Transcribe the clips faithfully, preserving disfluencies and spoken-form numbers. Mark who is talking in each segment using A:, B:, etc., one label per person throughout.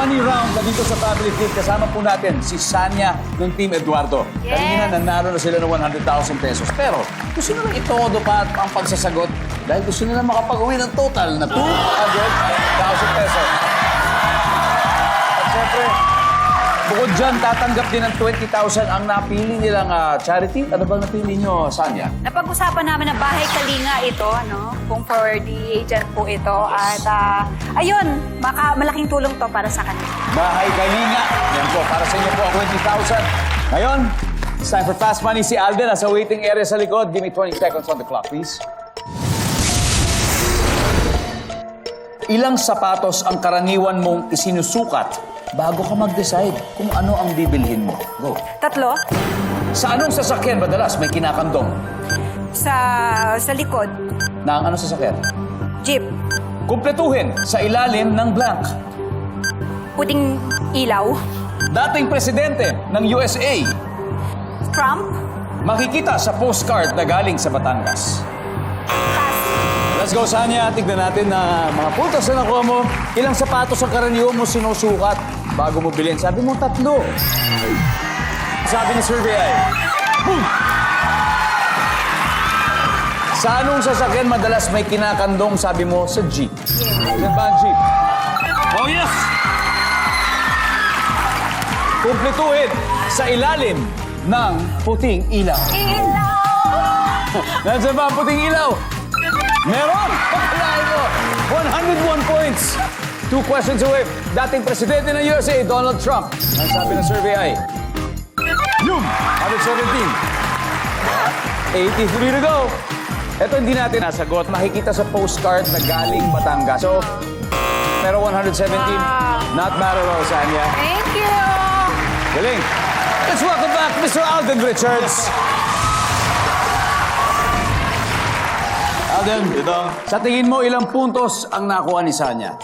A: money round na dito sa Family Feud. Kasama po natin si Sanya ng Team Eduardo.
B: Yes.
A: Kanina nanalo na sila ng one hundred thousand pesos. Pero gusto nila itodo pa ang pagsasagot dahil gusto nila makapag-uwi ng total na two hundred thousand pesos. At syempre, bukod dyan, tatanggap din ng twenty thousand ang napili nilang ah, charity. Ano bang napili nyo, Sanya?
B: Napag-usapan namin na bahay kalinga ito, ano? Kung for the agent po ito. At ah, ayun, maka, malaking tulong to para sa kanila.
A: Bahay Kalinga. Yan po, para sa inyo po ang twenty thousand. Ngayon, it's time for Fast Money. Si Alden nasa waiting area sa likod. Give me twenty seconds on the clock, please. Ilang sapatos ang karaniwan mong isinusukat bago ka mag-decide kung ano ang bibilhin mo? Go.
B: Tatlo,
A: Sa anong sasakyan madalas may kinakandong?
B: sa, sa likod,
A: Na ang anong sasakyan?
B: jeep,
A: Kumpletuhin sa ilalim ng blank.
B: puting ilaw,
A: Dating presidente ng U S A.
B: Trump,
A: Makikita sa postcard na galing sa Batangas. Let's go, Sanya. Tignan natin na mga puntos na nakuha mo. Ilang sapatos ang karaniwan mo sinusukat bago mo bilhin? Sabi mo, tatlo. Sabi ni survey ay, boom! Sa anong sasakyan madalas may kinakandong? Sabi mo, sa jeep. Yan ba ang jeep? Oh, yes! Kumpletuhin sa ilalim ng puting ilaw.
B: ilaw!
A: Nandiyan ba ang puting ilaw? Meron! Pagkalain mo! one hundred one points! Two questions away. Dating presidente ng U S A, Donald Trump. Ang sabi ng survey ay... Yum! one hundred seventeen. eighty-three to go. Ito hindi natin nasagot. Makikita sa postcard na galing Batangas. So, pero one hundred seventeen, not bad at all, Sanya.
B: Thank you!
A: Galing. Let's welcome back Mister Alden Richards. Alden, sa tingin mo, ilang puntos ang nakuha ni Sanya?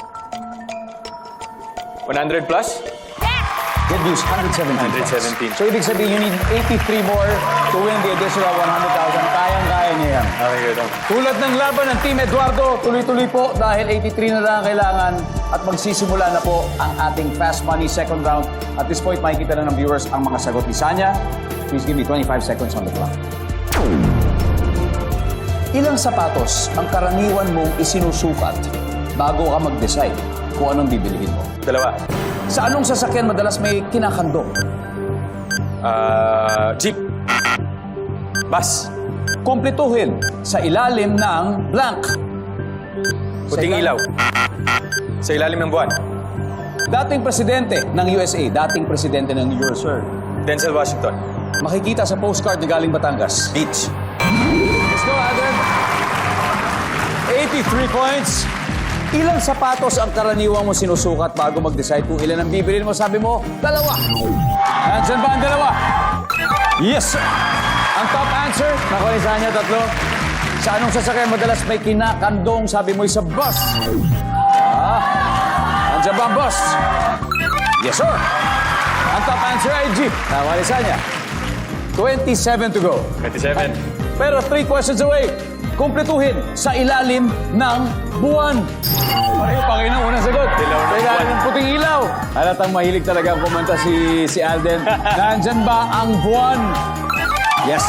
C: one hundred plus?
A: Good news, one hundred seventeen.
C: one hundred seventeen.
A: So, ibig sabihin, you need eighty-three more to win the additional one hundred thousand. Kayang-kaya niya yan.
C: Okay, good.
A: Tulad ng laban ng Team Eduardo, tuloy-tuloy po dahil eighty-three na lang ang kailangan at magsisimula na po ang ating Fast Money second round. At this point, makikita na ng viewers ang mga sagot ni Sanya. Please give me twenty-five seconds on the clock. Ilang sapatos ang karaniwan mong isinusukat bago ka mag-decide kung anong bibilihin mo?
C: Dalawa.
A: Sa anong sasakyan madalas may kinakandong?
C: Ah, jeep. Bus.
A: Kumpletuhin sa ilalim ng blank.
C: Puting
A: Sa
C: ilaw. Sa ilalim ng buwan.
A: Dating presidente ng U S A, dating presidente ng U S A.
C: Denzel Washington.
A: Makikita sa postcard na galing Batangas.
C: Beach.
A: Let's go, Adam. eighty-three points. Ilang sapatos ang karaniwang mo sinusukat bago mag-decide kung ilan ang bibilin mo? Sabi mo, dalawa. Nandiyan ba ang dalawa? Yes, sir. Ang top answer, nakuha ni Sanya, tatlo. Sa anong sasakyan madalas may kinakandong? Sabi mo, sa bus. Ah, nandiyan ba ang bus? Yes, sir. Ang top answer ay jeep. Nakuha ni Sanya. twenty-seven to go.
C: twenty-seven.
A: Pero three questions away. Kumpletuhin sa ilalim ng buwan. Pareho pa kayo ng unang sagot.
C: Ilaw ng
A: Sa ilalim
C: buwan.
A: ng puting ilaw. Halatang mahilig talaga ang kumanta si, si Alden. Nandyan ba ang buwan? Yes.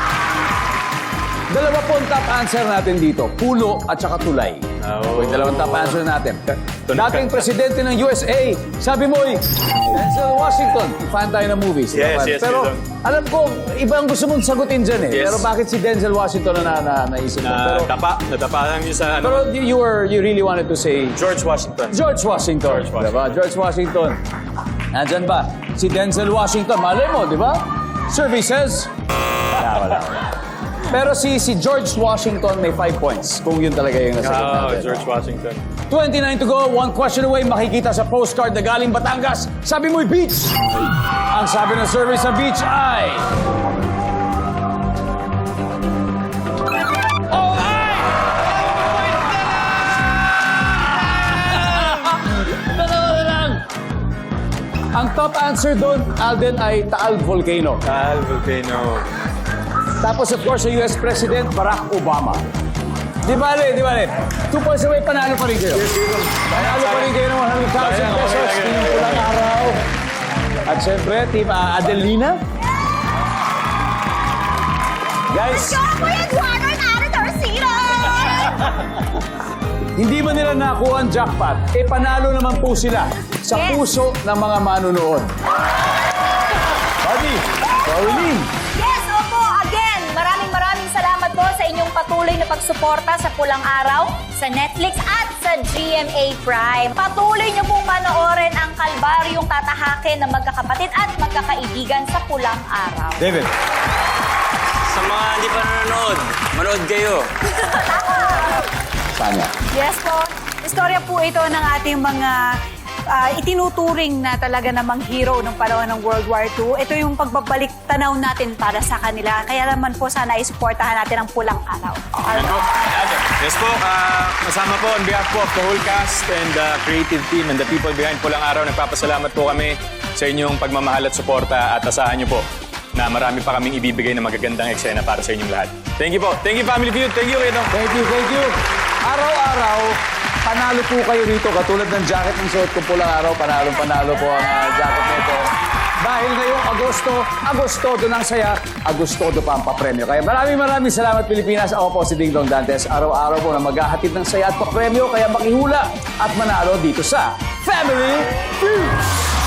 A: Dalawa po ang top answer natin dito. Pulo at saka tulay.
C: Oh.
A: Yung dalawang top answer natin.
C: Tunog
A: Dating
C: ka.
A: presidente ng U S A, sabi mo eh, Denzel Washington. Fan tayo ng movies. di ba?
C: Yes, yes,
A: Pero
C: yun.
A: alam ko, iba ang gusto mong sagutin dyan eh.
C: Yes.
A: Pero bakit si Denzel Washington na, na, na naisip mo?
C: Na
A: Pero,
C: dapa. Nadapa lang yun sa ano.
A: pero you, you were, you really wanted to say
C: George Washington.
A: George Washington.
C: George Washington.
A: Diba? George Washington. Nandyan ba? Si Denzel Washington. Malay mo, di ba? Survey says... Wala, wala, wala. Pero si si George Washington may five points. Kung yun talaga yung nasagot
C: Oh,
A: natin.
C: George Washington.
A: twenty-nine to go. One question away. Makikita sa postcard na galing Batangas. Sabi mo'y beach. Ang sabi ng survey sa beach ay... Oh, ay! Dalawa na lang. Ang top answer doon, Alden, ay Taal Volcano.
C: Taal Volcano.
A: Tapos, of course, sa U S President, Barack Obama. Di bale, di bale. Two points away, panalo pa rin kayo. Panalo pa rin kayo ng one hundred thousand pesos. Team Pulang Araw. At syempre, Team uh, Adelina. Guys, hindi man nila nakuha ang jackpot, eh panalo naman po sila sa
B: Yes.
A: puso ng mga manunood. Buddy, Pauline.
B: Yes, opo. Again, maraming maraming salamat po sa inyong patuloy na pagsuporta sa Pulang Araw, sa Netflix at sa G M A Prime. Patuloy niyo pong panoorin ang kalbaryong tatahakin ng magkakapatid at magkakaibigan sa Pulang Araw.
A: David.
C: Sa mga hindi pa nanonood, manood kayo.
A: Tanya.
B: Yes po. Istorya po ito ng ating mga ah, itinuturing na talaga namang hero ng panahon ng World War Two. Ito yung pagbabalik tanaw natin para sa kanila. Kaya naman po sana isuportahan natin ang Pulang Araw.
C: Yan po. Yes po, ah, kasama po on behalf po of the whole cast and the creative team and the people behind Pulang Araw, nagpapasalamat po kami sa inyong pagmamahal at suporta at asahan niyo po na marami pa kaming ibibigay na magagandang eksena para sa inyong lahat. Thank you po. Thank you, Family Feud. Thank you, Edong.
A: Thank you, thank you. Araw-araw, panalo po kayo rito. Katulad ng jacket ng suot ko Pulang Araw, panalo-panalo po ang uh, jacket nito. Dahil ngayong Agosto, Agostodo ng saya, Agostodo pa ang papremyo. Kaya maraming maraming salamat, Pilipinas. Ako po si Ding Dong Dantes. Araw-araw po na maghahatid ng saya at papremyo. Kaya makihula at manalo dito sa Family Feud.